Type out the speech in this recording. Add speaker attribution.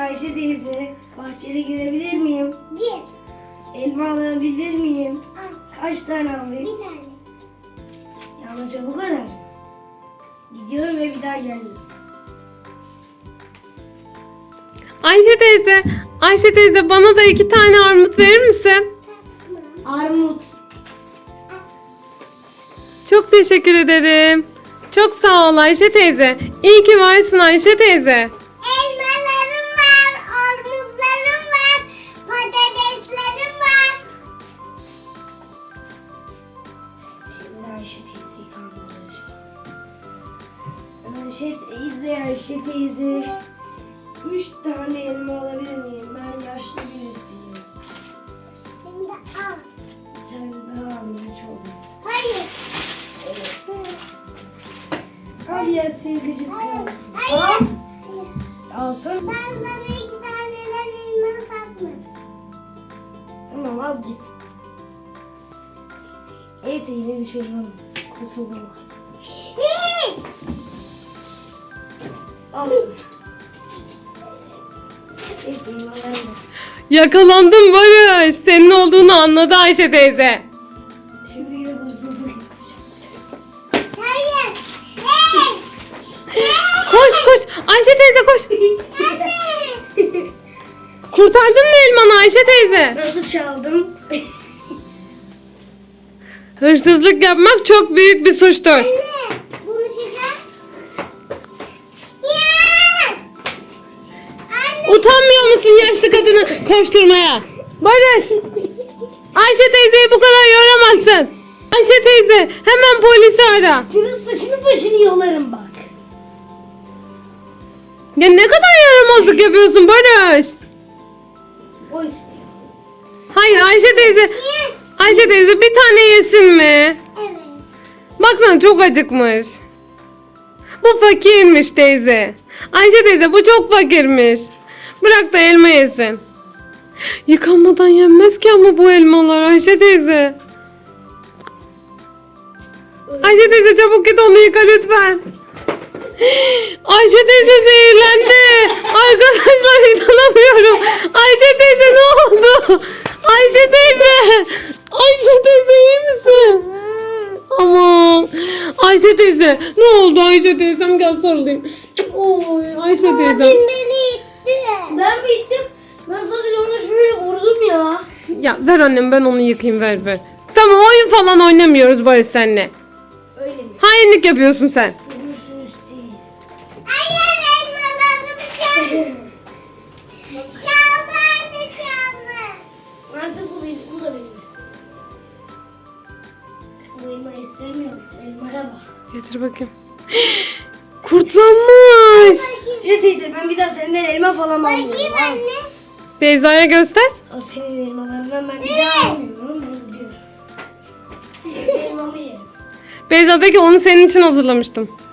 Speaker 1: Ayşe teyze, bahçeye girebilir miyim?
Speaker 2: Gir.
Speaker 1: Elma alabilir miyim?
Speaker 2: Al.
Speaker 1: Kaç tane alayım?
Speaker 2: Bir tane.
Speaker 1: Yalnızca bu kadar. Gidiyorum ve bir daha gelmiyorum.
Speaker 3: Ayşe teyze bana da 2 tane armut verir misin?
Speaker 1: Armut.
Speaker 3: Çok teşekkür ederim. Çok sağ ol Ayşe teyze. İyi ki varsın Ayşe teyze.
Speaker 2: Elmalarım var, armutlarım var, patateslerim var.
Speaker 1: Şimdi Ayşe teyzeyi kandıracağım. Ayşe teyze. 3 tane elma alabilir miyim? Ben yaşlı birisiyim.
Speaker 2: Şimdi al.
Speaker 1: Bir tane daha alayım, 3 oldu.
Speaker 2: Hayır.
Speaker 1: Al ya sevgicim.
Speaker 2: Hayır.
Speaker 1: Alsana.
Speaker 2: Ben sana 2 taneden elma satmadım.
Speaker 1: Tamam al git. Neyse yine bir şey olmadı. Kurtuldum. Al sana. Neyse elmalarım da.
Speaker 3: Yakalandım Barış. Senin olduğunu anladı Ayşe teyze.
Speaker 1: Şimdi yine hırsızlık yapacağım.
Speaker 2: Hayır. Hey.
Speaker 3: Koş. Ayşe teyze koş. Kurtardın mı elmanı Ayşe teyze?
Speaker 1: Nasıl çaldım?
Speaker 3: Hırsızlık yapmak çok büyük bir suçtur.
Speaker 2: Anne, bunu çıkar. Ya! Anne.
Speaker 3: Utanmıyor musun yaşlı kadını koşturmaya? Barış. Ayşe teyzeyi bu kadar yoramazsın. Ayşe teyze hemen polisi ara.
Speaker 1: Senin saçını başını yolarım bak.
Speaker 3: Ya ne kadar yaramazlık yapıyorsun Barış.
Speaker 1: O istiyor.
Speaker 3: Hayır Ayşe teyze. Ayşe teyze bir tane yesin mi?
Speaker 2: Evet.
Speaker 3: Baksana çok acıkmış. Bu fakirmiş teyze. Ayşe teyze bu çok fakirmiş. Bırak da elma yesin. Yıkanmadan yenmez ki ama bu elmalar Ayşe teyze. Ayşe teyze çabuk git onu yıka lütfen. Ayşe teyze zehirlendi. Arkadaşlar inanamıyorum. Ayşe teyze ne oldu? Ayşe teyze. Ayşe teyze iyi misin? Aman. Ayşe teyze ne oldu Ayşe teyzem gel sarılayım. Oy Ayşe teyzem.
Speaker 2: Abim beni itti.
Speaker 1: Ben mi ittim? Ben sadece ona şöyle vurdum ya.
Speaker 3: Ya ver annem ben onu yıkayayım ver. Tamam oyun falan oynamıyoruz Barış senle.
Speaker 1: Öyle mi?
Speaker 3: Hainlik yapıyorsun sen.
Speaker 1: Görürsünüz siz.
Speaker 2: Hayır, elmalarımı çaldı. Çaldı.
Speaker 1: Artık bu da benim. Bu elmayı istemiyorum. Elmaya bak.
Speaker 3: Getir bakayım. Kurtlanmış.
Speaker 1: Ayşe teyze ben bir daha senden elma falan almıyorum.
Speaker 2: Bakayım
Speaker 1: Al.
Speaker 2: anne.
Speaker 3: Beyza'ya göster.
Speaker 1: Al senin elmalarından ben bir daha almıyorum. Ben gidiyorum. Elmamı yerim.
Speaker 3: Beyza peki onu senin için hazırlamıştım.